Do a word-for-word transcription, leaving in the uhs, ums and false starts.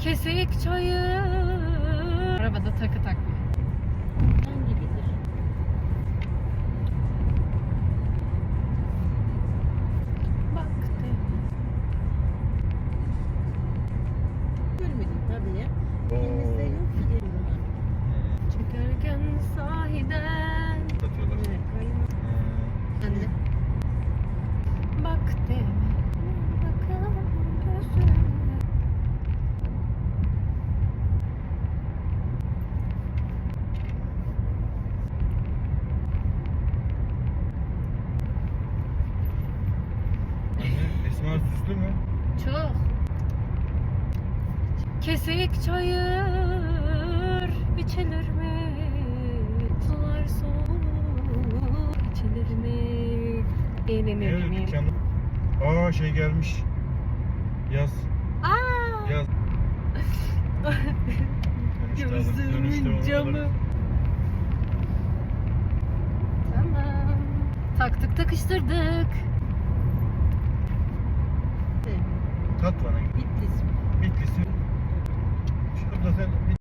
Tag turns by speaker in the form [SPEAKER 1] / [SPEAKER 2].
[SPEAKER 1] Kesik çayır. Arabada takı takma.
[SPEAKER 2] Hangidir?
[SPEAKER 1] Bak de.
[SPEAKER 2] Görmedim tabii ya.
[SPEAKER 3] Oo.
[SPEAKER 2] Elimizde yok ki bunlar.
[SPEAKER 1] Çıkarken sahiden.
[SPEAKER 3] Satıyorlar.
[SPEAKER 2] Evet, kaymak.
[SPEAKER 3] Ha.
[SPEAKER 1] Anne. Bak de. Bakalım gözüme.
[SPEAKER 3] Anne, Esma süslü mü?
[SPEAKER 1] Çok. Kesik çayır biçilir mi? Sular soğuk içilir mi?
[SPEAKER 3] Evet, dükkanı. Aa şey gelmiş. Yaz.
[SPEAKER 1] Aa!
[SPEAKER 3] Yaz. Dönüşte alır, dönüşte
[SPEAKER 1] Gözümün
[SPEAKER 3] onu
[SPEAKER 1] camı.
[SPEAKER 3] alırız.
[SPEAKER 1] Tamam. Taktık takıştırdık.
[SPEAKER 3] Tat bana.
[SPEAKER 2] Bitlis.
[SPEAKER 3] Bitlis'i. Şurada sen